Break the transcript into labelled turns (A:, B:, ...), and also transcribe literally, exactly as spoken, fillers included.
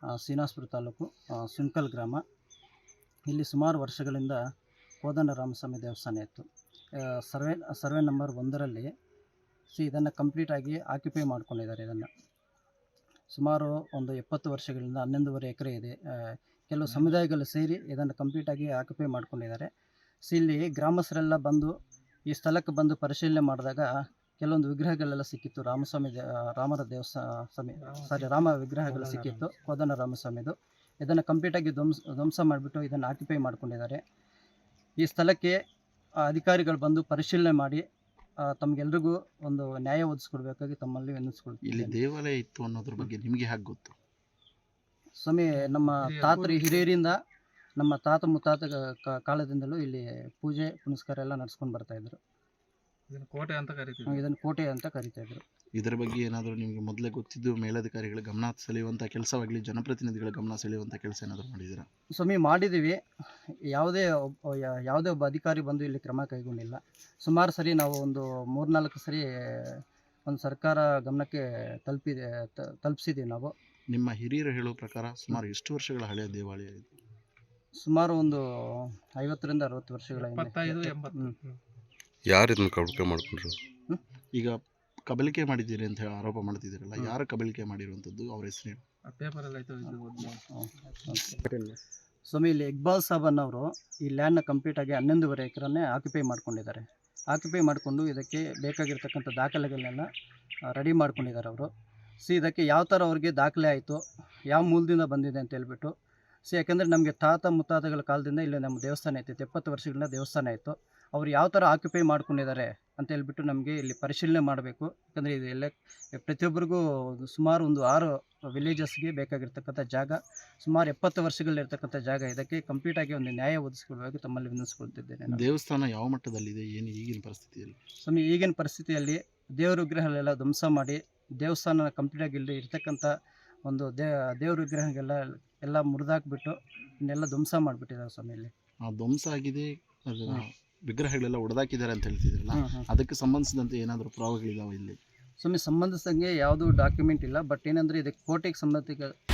A: ಶ್ರೀನಿವಾಸಪುರ ತಾಲೂಕು ಸುಂಕಲ್ ಗ್ರಾಮ. ಇಲ್ಲಿ ಸುಮಾರು ವರ್ಷಗಳಿಂದ ಕೋದಂಡ ರಾಮಸ್ವಾಮಿ ದೇವಸ್ಥಾನ ಇತ್ತು. ಸರ್ವೆ ಸರ್ವೆ ನಂಬರ್ ಒಂದರಲ್ಲಿ ಸಿ ಇದನ್ನು ಕಂಪ್ಲೀಟಾಗಿ ಆಕ್ಯುಪೈ ಮಾಡ್ಕೊಂಡಿದ್ದಾರೆ. ಇದನ್ನು ಸುಮಾರು ಒಂದು ಎಪ್ಪತ್ತು ವರ್ಷಗಳಿಂದ ಹನ್ನೊಂದೂವರೆ ಎಕರೆ ಇದೆ. ಕೆಲವು ಸಮುದಾಯಗಳು ಸೇರಿ ಇದನ್ನು ಕಂಪ್ಲೀಟಾಗಿ ಆಕ್ಯುಪೈ ಮಾಡ್ಕೊಂಡಿದ್ದಾರೆ. ಸಿ ಇಲ್ಲಿ ಗ್ರಾಮಸ್ಥರೆಲ್ಲ ಬಂದು ಈ ಸ್ಥಳಕ್ಕೆ ಬಂದು ಪರಿಶೀಲನೆ ಮಾಡಿದಾಗ ಕೆಲವೊಂದು ವಿಗ್ರಹಗಳೆಲ್ಲ ಸಿಕ್ಕಿತ್ತು. ರಾಮಸ್ವಾಮಿ ದೇ ರಾಮರ ದೇವಸ್ಥಾನ ಸ್ವಾಮಿ ಸಾರಿ ರಾಮ ವಿಗ್ರಹಗಳು ಸಿಕ್ಕಿತ್ತು, ಕೋದಂಡ ರಾಮಸ್ವಾಮಿದು. ಇದನ್ನು ಕಂಪ್ಲೀಟಾಗಿ ಧ್ವಂಸ ಧ್ವಂಸ ಮಾಡಿಬಿಟ್ಟು ಇದನ್ನು ಆಕ್ಯುಪೈ ಮಾಡ್ಕೊಂಡಿದ್ದಾರೆ. ಈ ಸ್ಥಳಕ್ಕೆ ಅಧಿಕಾರಿಗಳು ಬಂದು ಪರಿಶೀಲನೆ ಮಾಡಿ ತಮಗೆಲ್ರಿಗೂ ಒಂದು ನ್ಯಾಯ ಒದಗಿಸ್ಕೊಡ್ಬೇಕಾಗಿ ತಮ್ಮಲ್ಲಿ ವಿನಂತಿಸ್ಕೊಳ್ತೀವಿ.
B: ಇಲ್ಲಿ ದೇವಾಲಯ ಇತ್ತು ಅನ್ನೋದ್ರ ಬಗ್ಗೆ ನಿಮಗೆ ಹೇಗೆ ಗೊತ್ತು?
A: ಸ್ವಾಮಿ, ನಮ್ಮ ತಾತರು ಹಿರಿಯರಿಂದ ನಮ್ಮ ತಾತ ಮುತ್ತಾತ ಕಾಲದಿಂದಲೂ ಇಲ್ಲಿ ಪೂಜೆ ಪುನಸ್ಕಾರ ಎಲ್ಲ ನಡೆಸ್ಕೊಂಡು ಬರ್ತಾ ಇದ್ರು.
C: ಇದನ್ನು ಕೋಟೆ ಅಂತ ಕರಿತೀವಿ.
A: ಇದನ್ನು ಕೋಟೆ ಅಂತ ಕರಿತಾ ಇದ್ರು.
B: ಇದರ ಬಗ್ಗೆ ಏನಾದರೂ ನಿಮಗೆ ಮೊದಲೇ ಗೊತ್ತಿದ್ದು ಮೇಲಧಿಕಾರಿಗಳ ಗಮನ ಸೆಳೆಯುವಂಥ ಕೆಲಸವಾಗಲಿ ಜನಪ್ರತಿನಿಧಿಗಳ ಗಮನ ಸೆಳೆಯುವಂಥ ಕೆಲಸ ಏನಾದರೂ ಮಾಡಿದ್ದೀರಾ?
A: ಸ್ವಾಮಿ, ಮಾಡಿದ್ದೀವಿ. ಯಾವುದೇ ಒಬ್ಬ ಯಾವುದೇ ಒಬ್ಬ ಅಧಿಕಾರಿ ಬಂದು ಇಲ್ಲಿ ಕ್ರಮ ಕೈಗೊಂಡಿಲ್ಲ. ಸುಮಾರು ಸರಿ ನಾವು ಒಂದು ಮೂರ್ನಾಲ್ಕು ಸರಿ ಒಂದು ಸರ್ಕಾರ ಗಮನಕ್ಕೆ ತಲುಪಿದೆ ತಲುಪಿಸಿದ್ದೀವಿ ನಾವು.
B: ನಿಮ್ಮ ಹಿರಿಯರು ಹೇಳೋ ಪ್ರಕಾರ ಸುಮಾರು ಎಷ್ಟು ವರ್ಷಗಳ ಹಳೆಯ ದೇವಾಲಯ ಇದು?
A: ಸುಮಾರು ಒಂದು ಐವತ್ತರಿಂದ ಅರವತ್ತು ವರ್ಷಗಳ
C: ಇಪ್ಪತ್ತೈದು ಎಂಬತ್ತು.
D: ಯಾರು ಇದನ್ನು ಕಬಳಿಕೆ ಮಾಡ್ಕೊಂಡ್ರು?
B: ಈಗ ಕಬಲಿಕೆ ಮಾಡಿದ್ದೀರಿ ಅಂತ ಹೇಳಿ ಆರೋಪ ಮಾಡ್ತಿದ್ದೀರಲ್ಲ, ಯಾರು ಕಬಲಿಕೆ ಮಾಡಿರುವಂಥದ್ದು, ಅವ್ರ ಹೆಸರು?
A: ಸ್ವಾಮಿ, ಇಲ್ಲಿ ಇಕ್ಬಾಲ್ ಸಾಬ್ ಅನ್ನೋರು ಈ ಲ್ಯಾಂಡ್ನ ಕಂಪ್ಲೀಟಾಗಿ ಹನ್ನೊಂದೂವರೆ ಎಕರನ್ನೇ ಆಕ್ಯುಪೈ ಮಾಡ್ಕೊಂಡಿದ್ದಾರೆ. ಆಕ್ಯುಪೈ ಮಾಡಿಕೊಂಡು ಇದಕ್ಕೆ ಬೇಕಾಗಿರ್ತಕ್ಕಂಥ ದಾಖಲೆಗಳನ್ನೆಲ್ಲ ರೆಡಿ ಮಾಡ್ಕೊಂಡಿದ್ದಾರೆ ಅವರು. ಸಿ ಇದಕ್ಕೆ ಯಾವ ಥರ ಅವ್ರಿಗೆ ದಾಖಲೆ ಆಯಿತು, ಯಾವ ಮೂಲದಿಂದ ಬಂದಿದೆ ಅಂತ ಹೇಳ್ಬಿಟ್ಟು ಸಿ ಯಾಕೆಂದರೆ ನಮಗೆ ತಾತ ಮುತ್ತಾತಗಳ ಕಾಲದಿಂದ ಇಲ್ಲಿ ನಮ್ಮ ದೇವಸ್ಥಾನ ಇತ್ತು. ಎಪ್ಪತ್ತು ವರ್ಷಗಳಿಂದ ದೇವಸ್ಥಾನ ಇತ್ತು. ಅವ್ರು ಯಾವ ಥರ ಆಕ್ಯುಪೈ ಮಾಡ್ಕೊಂಡಿದ್ದಾರೆ ಅಂತ ಹೇಳ್ಬಿಟ್ಟು ನಮಗೆ ಇಲ್ಲಿ ಪರಿಶೀಲನೆ ಮಾಡಬೇಕು. ಯಾಕಂದರೆ ಇದು ಎಲ್ಲ ಪ್ರತಿಯೊಬ್ಬರಿಗೂ ಸುಮಾರು ಒಂದು ಆರು ವಿಲೇಜಸ್ಗೆ ಬೇಕಾಗಿರ್ತಕ್ಕಂಥ ಜಾಗ, ಸುಮಾರು ಎಪ್ಪತ್ತು ವರ್ಷಗಳಿರ್ತಕ್ಕಂಥ ಜಾಗ. ಇದಕ್ಕೆ ಕಂಪ್ಲೀಟಾಗಿ ಒಂದು ನ್ಯಾಯ ಒದಗಿಸ್ಕೊಳ್ಬೇಕು ತಮ್ಮಲ್ಲಿ ವಿನಂತಿಸ್ಕೊಳ್ತಿದ್ದೇನೆ.
B: ದೇವಸ್ಥಾನ ಯಾವ ಮಟ್ಟದಲ್ಲಿದೆ, ಏನು ಈಗಿನ ಪರಿಸ್ಥಿತಿಯಲ್ಲಿ?
A: ಸ್ವಾಮಿ, ಈಗಿನ ಪರಿಸ್ಥಿತಿಯಲ್ಲಿ ದೇವ್ರ ವಿಗ್ರಹಗಳೆಲ್ಲ ಧ್ವಂಸ ಮಾಡಿ ದೇವಸ್ಥಾನ ಕಂಪ್ಲೀಟಾಗಿ ಇಲ್ಲಿ ಇರ್ತಕ್ಕಂಥ ಒಂದು ದೇ ದೇವ್ರ ವಿಗ್ರಹಗೆಲ್ಲ ಎಲ್ಲ ಮುರಿದಾಕ್ಬಿಟ್ಟು ಇನ್ನೆಲ್ಲ ಧ್ವಂಸ ಮಾಡಿಬಿಟ್ಟಿದ್ದಾರೆ ಸ್ವಾಮಿ. ಇಲ್ಲಿ
B: ಆ ಧ್ವಂಸ ಆಗಿದೆ, ವಿಗ್ರಹಗಳೆಲ್ಲ ಒಡೆದಾಕಿದ್ದಾರೆ ಅಂತ ಹೇಳ್ತಿದ್ರಲ್ಲ, ಅದಕ್ಕೆ ಸಂಬಂಧಿಸಿದಂತೆ ಏನಾದರೂ ಪುರಾವೆಗಳಿದಾವೆ ಇಲ್ಲಿ?
A: ಸ್ವಾಮಿ, ಸಂಬಂಧಿಸಿದಂಗೆ ಯಾವುದೂ ಡಾಕ್ಯುಮೆಂಟ್ ಇಲ್ಲ. ಬಟ್ ಏನಂದರೆ ಇದಕ್ಕೆ ಕೋಟೆಗೆ ಸಂಬಂಧಿಕ